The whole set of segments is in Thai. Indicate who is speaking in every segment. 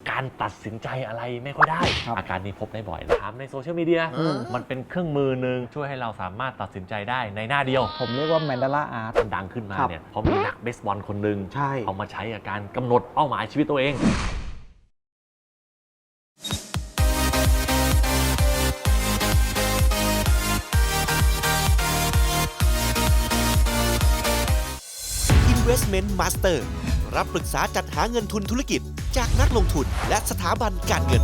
Speaker 1: การตัดสินใจอะไรไม่ค่อยได้อาการนี้พบได้บ่อยถามในโซเชียลมีเดียมันเป็นเครื่องมือหนึ่งช่วยให้เราสามารถตัดสินใจได้ในหน้าเดียว
Speaker 2: ผมเรียกว่าแมนดาราอาร์ต
Speaker 1: มันดังขึ้นมาเนี่ยเพราะมีนักเบสบอลคนหนึ่ง
Speaker 2: ใช่
Speaker 1: เอามาใช้กับการกำหนดเป้าหมายชีวิตตัวเอง
Speaker 3: Investment Master รับปรึกษาจัดหาเงินทุนธุรกิจจากนักลงทุนและสถาบันการเงิน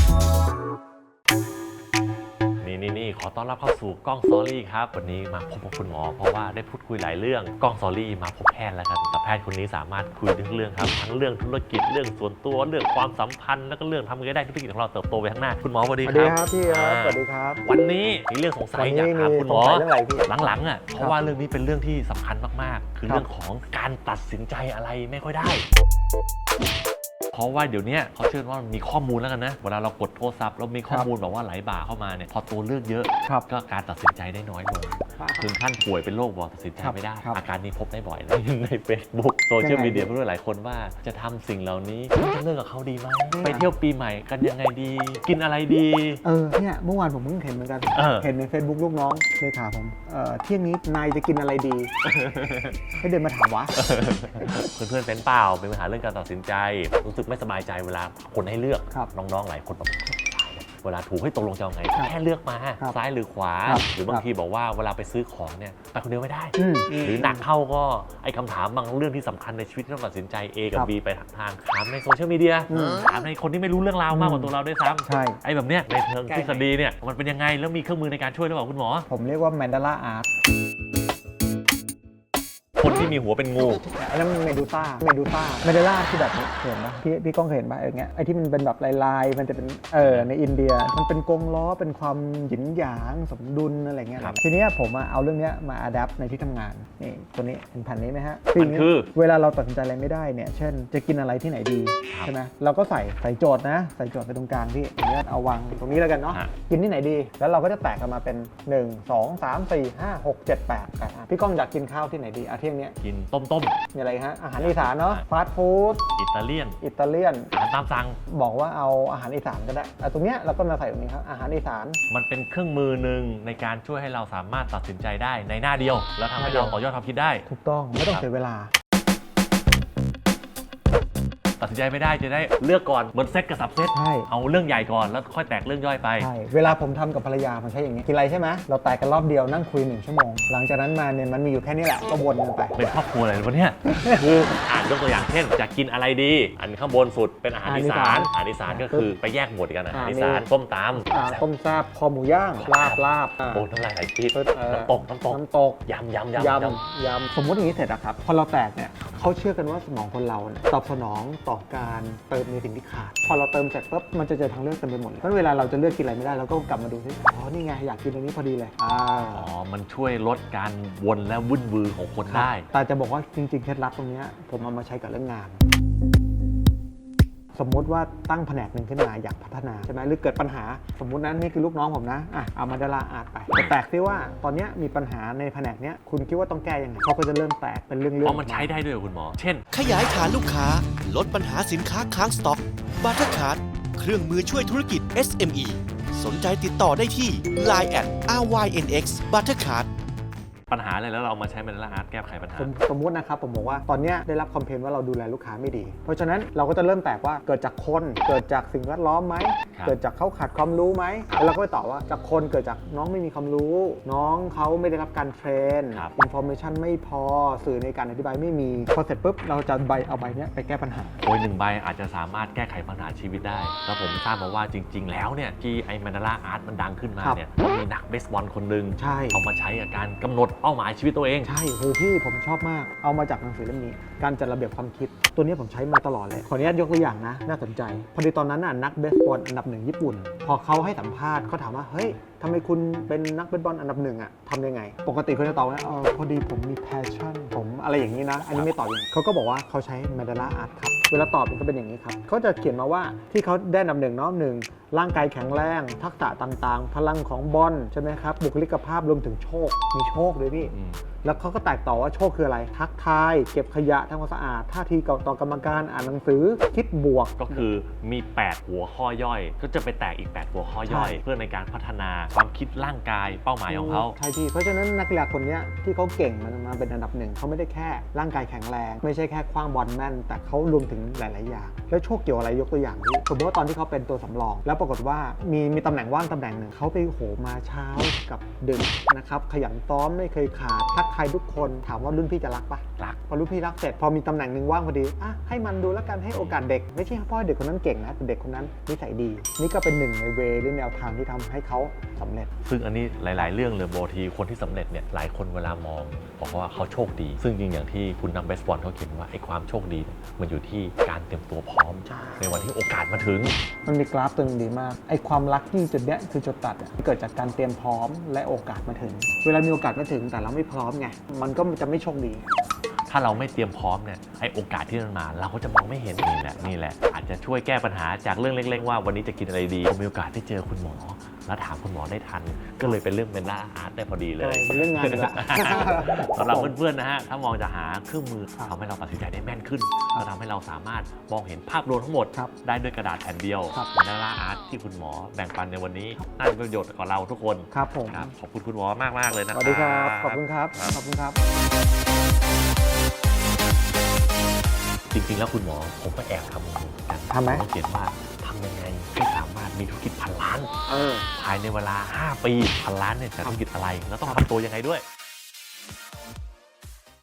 Speaker 1: นี่ขอต้อนรับเข้าสู่กล้องซอรี่ครับวันนี้มาพบกับคุณหมอเพราะว่าได้พูดคุยหลายเรื่องกล้องซอรี่มาพบแพทย์แล้วครับแต่แพทย์คนนี้สามารถคุยทุกเรื่องครับทั้งเรื่องธุรกิจเรื่องส่วนตัวเรื่องความสัมพันธ์แล้วก็เรื่องทำยังไงได้ธุรกิจของเราเติบโตไปข้างหน้าคุณหมอสวัสดีครับ
Speaker 2: สวัสดีครับพี่สวัสดีครับ
Speaker 1: วันนี้มีเรื่องสงสัยอยากถามคุณหมอ
Speaker 2: เรื่องอะไรพี่
Speaker 1: หลังๆเพราะว่าเรื่องนี้เป็นเรื่องที่สำคัญมากๆคือเรื่องของการตัดสินใจอะไรไม่ค่อยได้เพราะว่าเดี๋ยวนี้เขาเชื่อว่ามีข้อมูลแล้วกันนะเวลาเรากดโทรศัพท์เรามีข้อมูลแบบว่าไหลบ่าเข้ามาเนี่ยพอตัวเลือกเยอะก็การตัดสินใจได้น้อยลงถึงขั้นป่วยเป็นโรคบอกตัดสินใจไม่ได้อาการนี้พบได้บ่อยเลยใน Facebook โซเชียลมีเดียเพื่อนหลายคนว่าจะทำสิ่งเหล่านี้จะเลิกกับเขาดีไหมไปเที่ยวปีใหม่กันยังไงดีกินอะไรดี
Speaker 2: เนี่ยเมื่อวานผมเพิ่งเห็นเหมือนกันเห็นใน Facebook ลูกน้องเลขาผมเที่ยงนี้นายจะกินอะไรดีให้เดินมาถามวะ
Speaker 1: เพื่อนๆเป็นเปล่าเป็นปัญหาเรื่องการตัดสินใจรู้สึกไม่สบายใจเวลาคนให้เลือกน้องๆหลายคนแบบเวลาถูกให้ตกลงจะเอาไงแค่เลือกมาซ้ายหรือขวาหรือบางทีบอกว่าเวลาไปซื้อของเนี่ยไปคนเดียวไม่ได้หรือหนักเข้าก็ไอ้คำถามบางเรื่องที่สำคัญในชีวิตที่ต้องตัดสินใจ A กับ B ไปทางถามในโซเชียลมีเดียถามในคนที่ไม่รู้เรื่องราวมากกว่าตัวเราด้วยซ้ำไอ้แบบเนี้ยในเชิงทฤษฎีเนี่ยมันเป็นยังไงแล้วมีเครื่องมือในการช่วยหรือเปล่าคุณหมอ
Speaker 2: ผมเรียกว่าแมนดาราอาร์ต
Speaker 1: คนที่มีหัวเป็นงู
Speaker 2: อันนั้นเมดูต้าแมนดาราที่แบบเห็นปะพี่ก้องเห็นปะอย่างเงี้ยไอ้ที่มันเป็นแบบลายมันจะเป็นในอินเดียมันเป็นกงล้อเป็นความหยินหยางสมดุลอะไรเงี้ยทีนี้ผมเอาเรื่องนี้มาอัดแอปในที่ทำงานนี่ตัวนี้เห็นแผ่นนี้ไหมฮะ
Speaker 1: มันคือ
Speaker 2: เวลาเราตัดสินใจอะไรไม่ได้เนี่ยเช่นจะกินอะไรที่ไหนดีใช่ไหมเราก็ใส่โจทย์นะใส่โจทย์ไปตรงกลางพี่อย่างเงี้ยเอาวางตรงนี้แล้วกันเนาะกินที่ไหนดีแล้วเราก็จะแตกกันมาเป็น1 2 3 4 5 6 7 8พี่ก้องอยากกินข้าวที่ไหนดีเที่ยงนี้
Speaker 1: กินต้ม
Speaker 2: มีอะไรฮะอาหารอีสานเนาะฟาสต์ฟู้ด
Speaker 1: อิตาเลียน
Speaker 2: อา
Speaker 1: หารตามสั่ง
Speaker 2: บอกว่าเอาอาหารอีสานก็ได้ตรงเนี้ยเราก็มาใส่ตรงนี้ครับอาหารอีสาน
Speaker 1: มันเป็นเครื่องมือหนึ่งในการช่วยให้เราสามารถตัดสินใจได้ในหน้าเดียวแล้วทำให้เราต่อยอดความคิดได้
Speaker 2: ถูกต้องไม่ต้องเสียเวลา
Speaker 1: ตัดสินใจไม่ได้จะได้เลือกก่อนเหมือนเซตกับสับเซตเอาเรื่องใหญ่ก่อนแล้วค่อยแตกเรื่องย่อยไป
Speaker 2: ใช่เวลาผมทำกับภรรยาผมใช้อย่างนี้กินอะไรใช่ไหมเราแตกกันรอบเดียวนั่งคุย1 ชั่วโมงหลังจากนั้นมาเนี่ยมันมีอยู่แค่นี้แหละก็วนกันไป
Speaker 1: เป็นครอบครัวอะไรวะเนี่ยคือยกตัวอย่างเช่นจะกินอะไรดีอันข้างบนสุดเป็นอาหารอีสานก็คือไปแยกหมวดกันอาหารอีสานต้มตำ
Speaker 2: ต้มแซ่บคอหมูย่างลาบ
Speaker 1: โอ้น้ำลายไหลปี๊ดน้ำตกย
Speaker 2: ำสมมติอย่างนี้เสร็จแล้วครับพอเราแตกเนี่ยเขาเชื่อกันว่าสมองคนเราตอบสนองต่อการเติมในสิ่งที่ขาดพอเราเติมเสร็จปุ๊บมันจะเจอทางเลือกเต็มไปหมดเลยเพราะเวลาเราจะเลือกกินอะไรไม่ได้เราก็กลับมาดูซินี่ไงอยากกินอันนี้พอดีเลย
Speaker 1: มันช่วยลดการวนและวุ่นวือของคนได้
Speaker 2: แต่จะบอกว่าจริงๆเคล็ดลับตรงนี้ผมเอามาใช้กับเรื่องงานสมมุติว่าตั้งแผนกหนึ่งขึ้นมาอยากพัฒนาใช่ไหมหรือเกิดปัญหาสมมุตินั้นนี่คือลูกน้องผมนะเอามาดาราอาร์ตไปแตกซิว่าตอนนี้มีปัญหาในแผนกนี้คุณคิดว่าต้องแก้ยังไงเขาก็จะเริ่มแตกเป็นเรื่อง
Speaker 1: เพราะมันใช้ได้ด้วยคุณหมอเช่น
Speaker 3: ขยายฐานลูกค้าลดปัญหาสินค้าค้างสต็อกบัตเตอร์คาร์ดเครื่องมือช่วยธุรกิจ SME สนใจติดต่อได้ที่ Line @RYNX Buttercard
Speaker 1: ปัญหาอะไรแล้วเรามาใช้แมนดาราอาร์ตแก้ไขปัญหา
Speaker 2: สมมุตินะครับผมบอกว่าตอนนี้ได้รับคอมเพลนว่าเราดูแลลูกค้าไม่ดีเพราะฉะนั้นเราก็จะเริ่มแตกว่าเกิดจากคนเกิดจากสิ่งแวดล้อมไหมเกิดจากเขาขาดความรู้ไหมแล้วเราก็ไปตอบว่าจากคนเกิดจากน้องไม่มีความรู้น้องเขาไม่ได้รับการเทรนอินโฟเมชันไม่พอสื่อในการอธิบายไม่มีพอเสร็จปุ๊บเราจะเอาใบนี้ไปแก้ปัญหา
Speaker 1: 1 ใบอาจจะสามารถแก้ไขปัญหาชีวิตได้แล้วผมทราบมาว่าจริงๆแล้วเนี่ยที่ไอ้แมนดาราอาร์ตมันดังขึ้นมาเนี่ยมีนักเบสบอลคนหนึ่งเอามาใช้กับการกำหนดเป้าหมายชีวิตตัวเอง
Speaker 2: ใช่โหพี่ผมชอบมากเอามาจากหนังสือเล่มนี้การจัดระเบียบความคิดตัวนี้ผมใช้มาตลอดเลยขออนุญาตยกตัวอย่างนะน่าสนใจพอดีตอนนั้นนักเบสบอลอันดับ1ญี่ปุ่นพอเขาให้สัมภาษณ์เขาถามว่าเฮ้ยทำไมคุณเป็นนักเบสบอลอันดับ1ทำยังไงปกติเขาจะตอบว่าพอดีผมมีแพชชั่นผมอะไรอย่างนี้นะอันนี้ไม่ตอบอย่างเขาก็บอกว่าเขาใช้แมนดาราอาร์ตครับเวลาตอบมันก็เป็นอย่างนี้ครับเขาจะเขียนมาว่าที่เขาได้อันดับหนึ่งเนาะ1ร่างกายแข็งแรงทักษะต่างๆ พลังของบอลใช่ไหมครับบุคลิกภาพรวมถึงโชคมีโชคด้วยพี่ แล้วเขาก็แตกต่อว่าโชคคืออะไรทักทายเก็บขยะทำความสะอาดท่าทีต่อกรรมการอ่านหนังสือคิดบวก
Speaker 1: ก็คือมี 8 หัวข้อย่อย ก็จะไปแตกอีก 8 หัวข้อย่อย เพื่อในการพัฒนาความคิดร่างกายเป้าหมายของเขา
Speaker 2: ใช่พี่เพราะฉะนั้นนักกีฬาคนนี้ที่เขาเก่งมันมาเป็นอันดับหนึ่งเขาไม่ได้แค่ร่างกายแข็งแรง ไม่ใช่แค่คว้างบอลแม่น แต่เขารวมถึงหลายๆอย่างแล้วโชคเกี่ยวอะไรยกตัวอย่างพี่สมมติว่าตอนที่เขาเป็นตัวสำรอง แล้วปรากฏว่ามีตำแหน่งว่างตำแหน่งหนึ่งเขาไปโหมาเช้ากับดึกนะครับขยันซ้อมไม่เคยขาดทักทายทุกคนถามว่ารุ่นพี่จะรักปะ
Speaker 1: รัก
Speaker 2: พอรุ่นพี่รักเสร็จพอมีตำแหน่งหนึ่งว่างพอดีอ่ะให้มันดูแล้วกันให้โอกาสเด็กไม่ใช่เพราะเด็กคนนั้นเก่งนะแต่เด็กคนนั้นนิสัยดีนี่ก็เป็นหนึ่งในเวหรือแนวทางที่ทำให้เขาสำเร็จ
Speaker 1: ซึ่งอันนี้หลาย ๆ เรื่องเลยบางทีคนที่สำเร็จเนี่ยหลายคนเวลามองบอกว่าเขาโชคดี ซึ่งจริงอย่างที่คุณนักเบสบอลเขาเขียนว่าไอ้ความโชคดีเนี่ยมันอยู่ที่การเตรียมตัวพร้อม ในวันที่โอกาสมาถึง
Speaker 2: มันมีกราฟตัวหนึงดีมากไอ้ความลัคกี้จุดเนี้ยคือจุดตัดอะเกิดจากการเตรียมพร้อมและโอกาสมาถึง เวลามีโอกาสมาถึงแต่เราไม่พร้อมไงมันก็จะไม่โชคดี
Speaker 1: ถ้าเราไม่เตรียมพร้อมเนี่ยไอ้โอกาสที่มันมาเราก็จะมองไม่เห็นนี่แหละอาจจะช่วยแก้ปัญหาจากเรื่องเล็ก ๆ ว่าวันนี้จะกินอะไรดีผมมีโอกาสได้เจอคุณหมอ แล้วถามคุณหมอได้ทัน ก็เลยเป็นเรื่องเป็นล่าอาร์ตได้พอดีเลย
Speaker 2: เป็นเรื่องงานอีกละ
Speaker 1: สำหรับเพื่อนๆนะฮะถ้ามองจะหาเครื่องมือทำให้เราตัดสินใจได้แม่นขึ้นแล้วทำให้เราสามารถมองเห็นภาพรวมทั้งหมด
Speaker 2: ครับ
Speaker 1: ได้ด้วยกระดาษแผ่นเดียว
Speaker 2: ครับ
Speaker 1: เหมือนล่าอาร์ตที่คุณหมอแบ่งปันในวันนี้น่าจะเป็นประโยชน์กับเราทุกคน
Speaker 2: ครับผม
Speaker 1: ครับขอบคุณคุณหมอมากๆเลยนะ
Speaker 2: สวัสดีครับขอบคุณครับ
Speaker 1: ครับ
Speaker 2: ขอบคุณครับ
Speaker 1: จริงๆ แล้วคุณหมอผมก็แอบทำเหมือนกัน
Speaker 2: ทำไหม
Speaker 1: ผเขียนว่าทำยังไงให้สามารถมีธุรกิจ1,000 ล้าน
Speaker 2: เออ
Speaker 1: ภายในเวลา 5 ปี1,000 ล้านเนี่ยจะธุรกิจอะไร แล้วต้องทำตัวยังไงด้วย